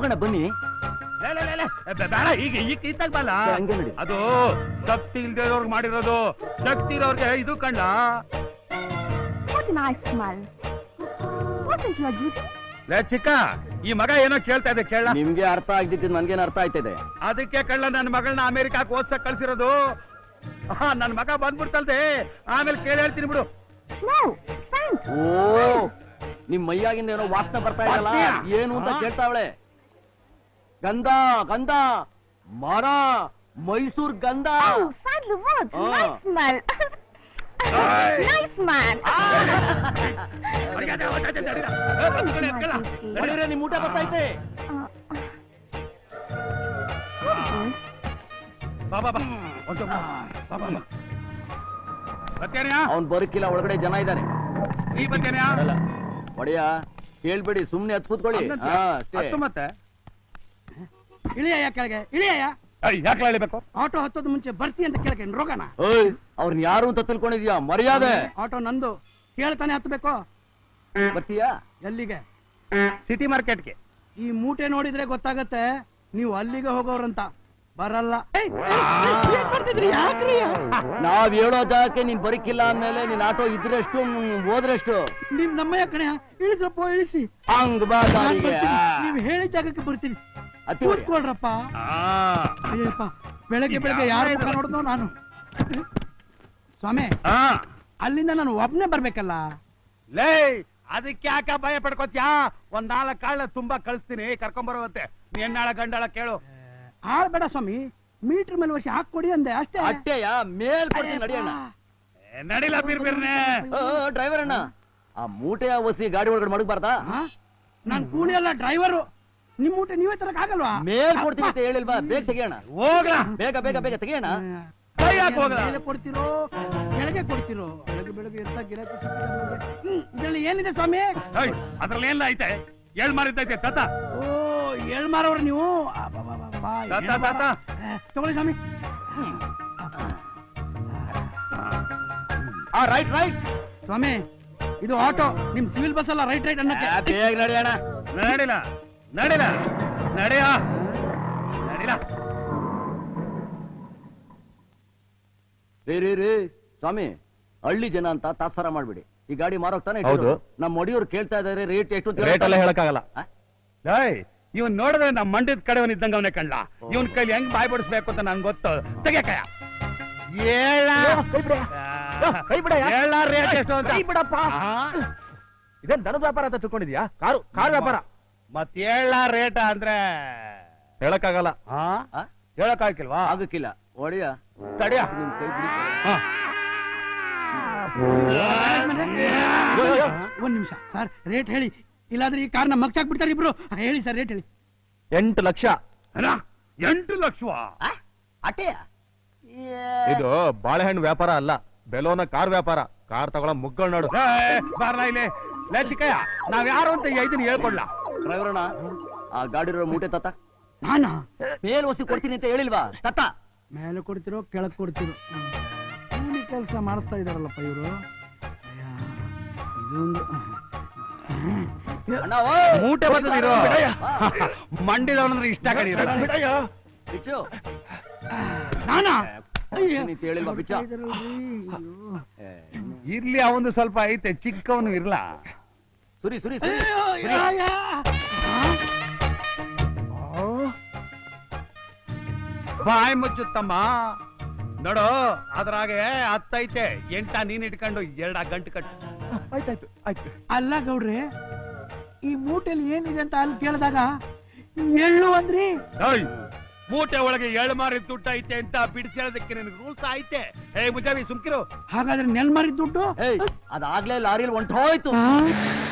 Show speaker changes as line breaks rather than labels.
ಹೋಗೋಣ ಬನ್ನಿ.
ಬೇಡ, ಈಗ ಇತ್ತಾಗ ಬಲ್ಲ. ಅದು ಶಕ್ತಿ ಇಲ್ದೇವ್ರಿಗೆ ಮಾಡಿರೋದು, ಶಕ್ತಿ ಇರೋರ್ಗೆ ಇದು ಕಂಡ. ಚಿಕ್ಕ, ಈ ಮಗ ಏನೋ ಕೇಳ್ತಾ ಇದೆ, ಕೇಳ.
ನಿಮ್ಗೆ ಅರ್ಥ ಆಗ್ತಿದ್ದು ನನ್ಗೇನು ಅರ್ಥ ಆಯ್ತಿದೆ.
ಅದಕ್ಕೆ ಕಳ್ಳ ನನ್ನ ಮಗಳನ್ನ ಅಮೆರಿಕಾಕ್ ಓದ್ಸಕ್ ಕಳ್ಸಿರೋದು. ನನ್ ಮಗ ಬಂದ್ಬಿಡ್ತಲ್ದೆ, ಆಮೇಲೆ ಕೇಳಿ ಹೇಳ್ತೀನಿ ಬಿಡು.
ಓ, ನಿಮ್ ಮೈಯಾಗಿಂದ ಏನೋ ವಾಸನೆ ಬರ್ತಾ ಇದಲ್ಲ, ಏನು ಅಂತ ಕೇಳ್ತಾವಳೆ. ಗಂಧ ಗಂಧ ಮರ, ಮೈಸೂರ್ ಗಂಧ. ನಿಮ್ ಊಟ ಬರ್ತೈತೆ. ಅವನ್ ಬರಕಿಲ್ಲ, ಒಳಗಡೆ ಜನ ಇದ್ದಾನೆ. ಒಡೆಯ ಕೇಳ್ಬೇಡಿ, ಸುಮ್ನೆ ಹತ್ ಕೂತ್ಕೊಳ್ಳಿ.
ಮತ್ತೆ
ಇಳಿಯ ಕೆಳಗೆ, ಇಳಿಯ.
ಯಾಕೆ ಇಳಿಬೇಕು?
ಆಟೋ ಹತ್ತೋದ್ ಮುಂಚೆ ಬರ್ತಿ ಅಂತ ಕೇಳಕ್ಕೆ ರೋಗಣ.
ಅವ್ರನ್ನ ಯಾರು ಅಂತ ತಿಳ್ಕೊಂಡಿದ್ಯಾ? ಮರ್ಯಾದೆ.
ಆಟೋ ನಂದು, ಕೇಳ್ತಾನೆ ಹತ್ಬೇಕು.
ಬರ್ತೀಯಾ?
ಎಲ್ಲಿಗೆ?
ಸಿಟಿ ಮಾರ್ಕೆಟ್ಗೆ.
ಈ ಮೂಟೆ ನೋಡಿದ್ರೆ ಗೊತ್ತಾಗತ್ತೆ ನೀವು ಅಲ್ಲಿಗೆ ಹೋಗೋರಂತ. ಬರಲ್ಲ.
ನಾವ್ ಹೇಳೋ ಜಾಗಕ್ಕೆ ನೀನ್ ಬರಕಿಲ್ಲ ಅಂದ್ಮೇಲೆ ನಿನ್ ಆಟೋ ಇದ್ರೆಷ್ಟು ಹೋದ್ರೆಷ್ಟು?
ನಿಮ್ ನಮ್ಮಯ್ಯ ಕಣೆ, ಇಳಿಸಪ್ಪ, ಇಳಿಸಿ.
ಹಂಗ್ ಬಾ.
ನೀವ್ ಹೇಳಿದ ಜಾಗಕ್ಕೆ ಬರ್ತೀನಿ, ಕೂತ್ಕೊಳ್ರಪ್ಪ. ಅಯ್ಯಪ್ಪ, ಬೆಳಗ್ಗೆ ಬೆಳಗ್ಗೆ ಯಾರು ಮುಖ ನೋಡಿದ್ನೋ ನಾನು. ಸ್ವಾಮಿ, ಅಲ್ಲಿಂದ ನಾನು ಒಬ್ನೇ ಬರ್ಬೇಕಲ್ಲ.
ಲೇ, ಅದಕ್ಕೆ ಯಾಕ ಭಯ ಪಡ್ಕೋತ್ಯಾ? ಒಂದ್ 4 ಕಾಳ ತುಂಬಾ ಕಳಿಸ್ತೀನಿ, ಕರ್ಕೊಂಬರುವಂತೆ. ನೀ ಹೆಣ್ಣಾಳ ಗಂಡಾಳ ಕೇಳು.
ಆಳ್ಬೇಡ ಸ್ವಾಮಿ, ಮೀಟರ್ ಮೇಲೆ ವರ್ಷ ಹಾಕೊಡಿ ಅಂದೆ ಅಷ್ಟೇ.
ಅಷ್ಟೇಯ? ಮೇಲ್ ಕೊಡ್ತೀನಿ, ನಡಿಯಣ್ಣ.
ನಡಿಲ ಬಿರ್ಬಿರ್ನೆ.
ಡ್ರೈವರ್ ಅಣ್ಣ, ಆ ಮೂಟೆಯ ಒಸಿ ಗಾಡಿ ಒಳಗಡೆ ಮಡಗಬಾರ್ದಾ?
ನಾನ್ ಕೂಲಿ ಅಲ್ಲ, ಡ್ರೈವರು. ನಿಮ್ ಮೂಟೆ ನೀವೇ ತರಕ್ ಆಗಲ್ವಾ?
ಮೇಲ್ ಕೊಡ್ತೀನಿ ಅಂತ ಹೇಳಿಲ್ವಾ? ಬೇಗ ತೆಗಿಯೋಣ.
ಹೋಗ್ಲ,
ಬೇಗ ಬೇಗ ಬೇಗ ತೆಗಿಯೋಣ.
ಮೇಲೆ ಕೊಡ್ತಿರೋ ಕೆಳಗೆ ಕೊಡ್ತಿರೋ? ಬೆಳಗ್ಗೆ ಬೆಳಗ್ಗೆ ಎಂತ ಗಿರಾಕಿ ಸಿಕ್ಕಿದೆ. ಇದ್ರಲ್ಲಿ ಏನಿದೆ ಸ್ವಾಮಿ?
ಅದ್ರಲ್ಲಿ ಏನಿಲ್ಲ ಐತೆ, ಹೇಳ್ ಮಾರಿದ್ದೈತೆ ತಾತ.
ಓ, ಹೇಳ್ ಮಾರವ್ರ ನೀವು? ತಗೊಳ್ಳಿ ಸ್ವಾಮಿ.
Right right.
ಸ್ವಾಮಿ, ಇದು ಆಟೋ, ನಿಮ್ ಸಿವಿಲ್ ಬಸ್ ಅಲ್ಲ. ರೈಟ್ ರೈಟ್ ಅನ್ನಕ್ಕೆ.
ಬೇಗ ನಡಿಯೋಣ.
ನಡಿಲ ನಡಿಲ ನಡಿಯ ನಡಿಲ.
ರೇ ಸ್ವಾಮಿ, ಹಳ್ಳಿ ಜನ ಅಂತ ತಾತ್ಸಾರ ಮಾಡ್ಬಿಡಿ. ಈ ಗಾಡಿ ಮಾರೋಗ್ತಾನೆ. ನಮ್ಮ ಒಡಿಯವ್ರು ಕೇಳ್ತಾ ಇದಾರೆ ರೇಟ್ ಎಷ್ಟು ಅಂತ.
ರೇಟ್ ಎಲ್ಲ ಹೇಳಕ್ಕಾಗಲ್ಲ. ಇವನ್ ನೋಡಿದ್ರೆ ನಮ್ ಮಂಡ್ಯದ ಕಡೆವನ್ ಇದ್ದಂಗ ಅವನೇ ಕಣ್ಲ. ಇವನ್ ಕೈಲಿ ಹೆಂಗ್ ಬಾಯ್ ಬಡಿಸ್ಬೇಕು ಅಂತ ನನ್ ಗೊತ್ತು. ತೆಗೆಕಯ ರೇಟ್ ಎಷ್ಟು ಅಂತ ಬಿಡಪ್ಪ. ಇದೇನ್ ದನದ ವ್ಯಾಪಾರ ಅಂತ ತಿಳ್ಕೊಂಡಿದ್ಯಾ? ಕಾರು ವ್ಯಾಪಾರ. ಮತ್ ರೇಟ ಅಂದ್ರೆ ಹೇಳಕ್ಕಾಗಲ್ಲ. ಹೇಳಕ್ಕಾಗಿಲ್ವಾ?
ಆಗಕ್ಕಿಲ್ಲ. ಒಡೆಯ
ತಡಿಯ,
ನಿಮ್ ಕೈ ಬಿಡಿ.
ಒಂದ್ ನಿಮಿಷ ಸರ್, ರೇಟ್ ಹೇಳಿ, ಇಲ್ಲಾದ್ರೆ ಈ ಕಾರ್ನ ಮಗ್ಚಾಕ್ ಬಿಡ್ತಾರೆ ಇಬ್ರು. ಹೇಳಿ ಸರ್, ರೇಟ್ ಹೇಳಿ.
8 ಲಕ್ಷ. 8 ಲಕ್ಷವಾ?
ಅಟೆಯ?
ಇದು ಬಾಳೆಹಣ್ಣು ವ್ಯಾಪಾರ ಅಲ್ಲ, ಬೆಲೋನ ಕಾರ್ ವ್ಯಾಪಾರ. ಕಾರ್ ತಗೊಳ ಮುಗ್ಗಳು ನೋಡು. ಬಾರ್ಲಾ ಇಲ್ಲಿ. ಚಿಕ್ಕಯ್ಯ, ನಾವ್ ಯಾರು ಅಂತ ಇದನ್ನ ಹೇಳ್ಕೊಡ್ಲಾ?
ಡ್ರೈವರ್ನ, ಆ ಗಾಡಿ ಮೂಟೆ ತತ್ತ.
ನಾನಾ?
ಮೇಲ್ ಒಸಿ ಕೊಡ್ತೀನಿ ಅಂತ ಹೇಳಿಲ್ವಾ? ತತ್ತ.
ಮೇಲೆ ಕೊಡ್ತಿರೋ ಕೆಳಗ್ ಕೊಡ್ತಿರೋ? ಕೂಲಿ ಕೆಲಸ ಮಾಡಿಸ್ತಾ ಇದಾರಲ್ಲಪ್ಪ ಇವರು. ಇದೊಂದು
ಮೂಟೆ ಬಂದಿರೋ ಮಂಡಿದವನಂದ್ರೆ ಇಷ್ಟ ಕಡಿರ.
ನಾನಾ?
ಹೇಳಿಲ್ವಾ ಬಿಚ್ಚ?
ಇರ್ಲಿ, ಅವನು ಸ್ವಲ್ಪ ಐತೆ, ಚಿಕ್ಕವನು ಇರ್ಲ.
ಸುರಿ ಸುರಿ
ಬಾಯ್ ಮುಚ್ಚುತ್ತಮ್ಮ. ನೋಡು, ಅದ್ರಾಗೆ 10 ಐತೆ. 8 ನೀನ್ ಇಟ್ಕೊಂಡು 2 ಗಂಟೆ ಕಟ್ಟು. ಆಯ್ತಾಯ್ತು ಆಯ್ತು.
ಅಲ್ಲ ಗೌಡ್ರೆ, ಈ ಮೂಟೆಲಿ ಏನಿದೆ ಅಂತ ಅಲ್ಲಿ ಕೇಳಿದಾಗ ಎಳ್ಳು ಅಂದ್ರಿ.
ಮೂಟೆ ಒಳಗೆ 7 ಮಾರಿದ ದುಡ್ಡು ಐತೆ ಅಂತ ಬಿಡಿಸೋದಕ್ಕೆ ನಿನಗೆ ರೂಲ್ಸ್ ಐತೆ. ಮುಂಜಾವಿ ಸುಮ್ಕಿರು.
ಹಾಗಾದ್ರೆ ನೆಲ್ ಮಾರಿದ ದುಡ್ಡು?
ಅದಾಗ್ಲೇ ಲಾರಿಯಲ್ಲಿ ಹೊಂಟೋಯ್ತು.